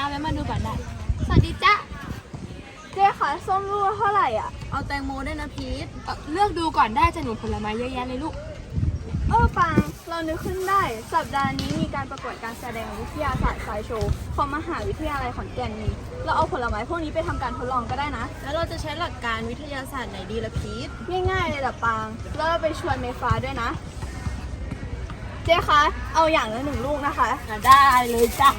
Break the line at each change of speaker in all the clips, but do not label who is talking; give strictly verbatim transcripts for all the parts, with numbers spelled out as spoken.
แวะมาดูก่อนได้สวัสดีจ้ะ
เจ๊คะส้มลูกเท่าไหร่อ่ะ
เอาแตงโมด้วยนะพีท
เลือกดูก่อนได้จะหนูผลไม้เยอะแยะเลยลูก
เออปังเรานึกขึ้นได้สัปดาห์นี้มีการประกวดการแสดงวิทยาศาสตร์สายโชว์ของมหาวิทยาลัยขอนแก่นนี้เราเอาผลไม้พวกนี้ไปทำการทดลองก็ได้นะ
แล้วเราจะใช้หลักการวิทยาศาสตร์ไหนดีล่ะพีท
ง่ายๆเลยล่ะปังแล้วเราไปชวนเมฟ้าด้วยนะเจ๊คะเอาอย่างละหนึ่งลูกนะคะ
ได้เลยจ้ะ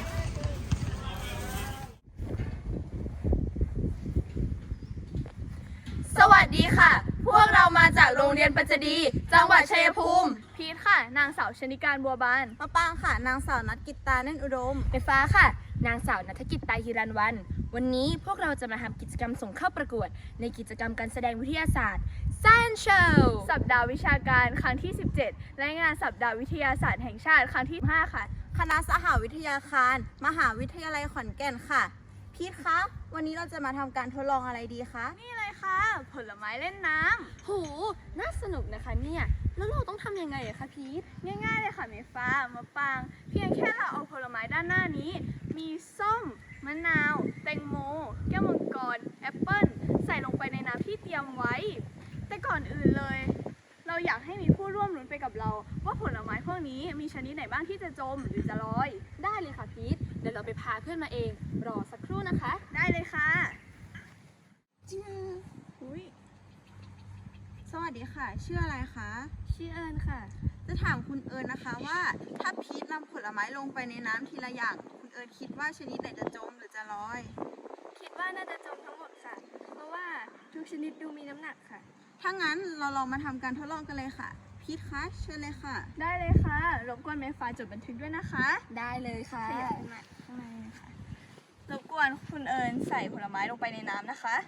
สวัสดีค่ะ พวกเรามาจากโรงเรียนปัจจดีจังหวัดชัยภูมิ
พีทค่ะนางสาวชนิการบัวบาน
มะปางค่ะนางสาวนัทกิตตาเน่นอุดม
ไฟฟ้าค่ะนางสาวนัทกิตตาฮิรันวรรณวันนี้พวกเราจะมาทำกิจกรรมส่งเข้าประกวดในกิจกรรมการแสดงวิทยาศาสตร์ Science Show
สัปดาห์วิชาการครั้งที่สิบเจ็ดและงานสัปดาห์วิทยาศาสตร์แห่งชาติครั้งที่ห้าค่ะ
คณะสหวิทยาคารมหาวิทยาลัยขอนแก่นค่ะพีทคะวันนี้เราจะมาทำการทดลองอะไรดีคะ
นี่เลยค่ะผลไม้เล่นน้
ำโหน่าสนุกนะคะเนี่ยแล้วเราต้องทำยังไงอะคะพีท
ง่ายๆเลยค่ะเมฟ้ามะปางเพียงแค่เราเอาผลไม้ด้านหน้านี้มีส้มมะนาวแตงโมแก้วมังกรแอปเปิ้ลใส่ลงไปในน้ำที่เตรียมไว้แต่ก่อนอื่นเลยเราอยากให้มีผู้ร่วมลุ้นไปกับเราว่าผลไม้พวกนี้มีชนิดไหนบ้างที่จะจมหรือจะลอย
ได้เลยค่ะพีทเดี๋ยวเราไปพาเพื่อนมาเองรอสักครู่นะคะ
ได้เลยค่ะ
จริงอุ้ยสวัสดีค่ะชื่ออะไรคะ
ชื่อเอิญค่ะ
จะถามคุณเอิญนะคะว่าถ้าพีทนำผลไม้ลงไปในน้ำทีละอย่างคุณเอิญคิดว่าชนิดไหนจะจมหรือจะลอย
คิดว่าน่าจะจมทั้งหมดค่ะเพราะว่าทุกชนิดดูมีน้ำหนักค่ะ
ถ้างั้นเราลองมาทำการทดลองกันเลยค่ะพีทคะเชิญเลยค่ะ
ได้เลยค่ะรบกวนเมฟ้าจดบันทึกด้วยนะคะ
ได้เลยค่ะ
ขยับมาข้างในค่ะรบกวนคุณเอิญใส่ผลไม้ลงไปในน้ำนะคะ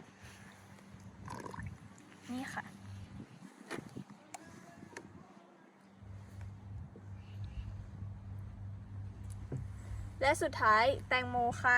นี่ค่ะและสุดท้ายแตงโมค่ะ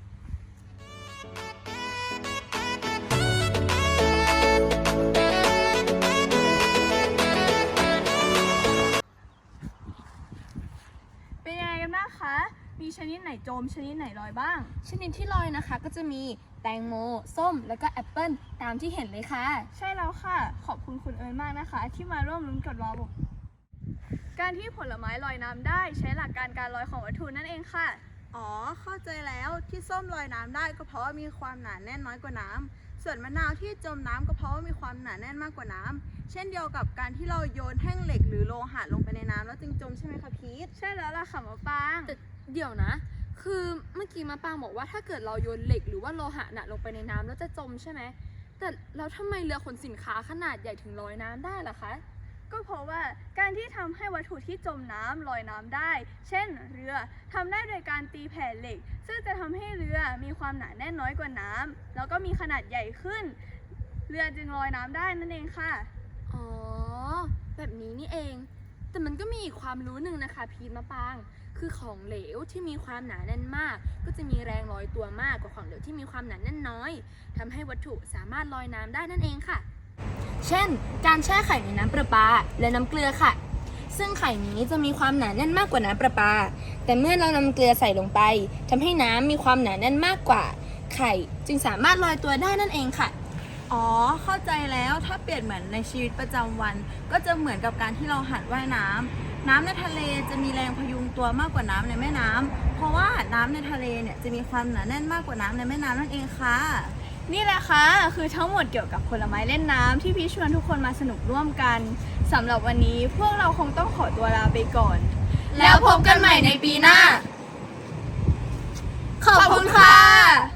เป็นยังไงกันบ้างคะมีชนิดไหนจมชนิดไหนลอยบ้าง
ชนิดที่ลอยนะคะก็จะมีแตงโมส้มแล้วก็แอปเปิ้ลตามที่เห็นเลยค่ะ
ใช่แล้วค่ะขอบคุณคุณเอิญมากนะคะที่มาร่วมลุ้นกับเราการที่ผลไม้ลอยน้ำได้ใช้หลักการการลอยของวัตถุนั่นเองค่ะ
อ๋อเข้าใจแล้วที่ส้มลอยน้ำได้ก็เพราะว่ามีความหนาแน่นน้อยกว่าน้ำส่วนมะนาวที่จมน้ำก็เพราะว่ามีความหนาแน่นมากกว่าน้ำเช่นเดียวกับการที่เราโยนแท่งเหล็กหรือโลหะลงไปในน้ำแล้วจึงจมใช่ไหมคะพีท
ใช่แล้วล่ะค่ะมะปาง
แต่เดี๋ยวนะคือเมื่อกี้มะปางบอกว่าถ้าเกิดเราโยนเหล็กหรือว่าโลหะหนักลงไปในน้ำแล้วจะจมใช่ไหมแต่แล้วทำไมเรือขนสินค้าขนาดใหญ่ถึงลอยน้ำได้ล่ะคะ
ก็เพราะว่าการที่ทำให้วัตถุที่จมน้ำลอยน้ำได้เช่นเรือทำได้โดยการตีแผ่เหล็กซึ่งจะทำให้เรือมีความหนาแน่นน้อยกว่าน้ำแล้วก็มีขนาดใหญ่ขึ้นเรือจึงลอยน้ำได้นั่นเองค่ะ
อ๋อแบบนี้นี่เองแต่มันก็มีอีกความรู้หนึ่งนะคะพีทมะปางคือของเหลวที่มีความหนาแน่นมากก็จะมีแรงลอยตัวมากกว่าของเหลวที่มีความหนาแน่นน้อยทำให้วัตถุสามารถลอยน้ำได้นั่นเองค่ะเช่นการแช่ไข่ในน้ำประปาและน้ำเกลือค่ะซึ่งไข่นี้จะมีความหนาแน่นมากกว่าน้ำประปาแต่เมื่อเรานำเกลือใส่ลงไปทำให้น้ำมีความหนาแน่นมากกว่าไข่จึงสามารถลอยตัวได้นั่นเองค่ะ
อ๋อเข้าใจแล้วถ้าเปรียบเหมือนในชีวิตประจำวันก็จะเหมือนกับการที่เราหัดว่ายน้ำน้ำในทะเลจะมีแรงพยุงตัวมากกว่าน้ำในแม่น้ำเพราะว่าน้ำในทะเลเนี่ยจะมีความหนาแน่นมากกว่าน้ำในแม่น้ำนั่นเองค่ะ
นี่แหละค่ะคือทั้งหมดเกี่ยวกับผลไม้เล่นน้ำที่พี่ชวนทุกคนมาสนุกร่วมกันสำหรับวันนี้พวกเราคงต้องขอตัวลาไปก่อน
แล้วพบกันใหม่ในปีหน้าขอบคุณค่ะ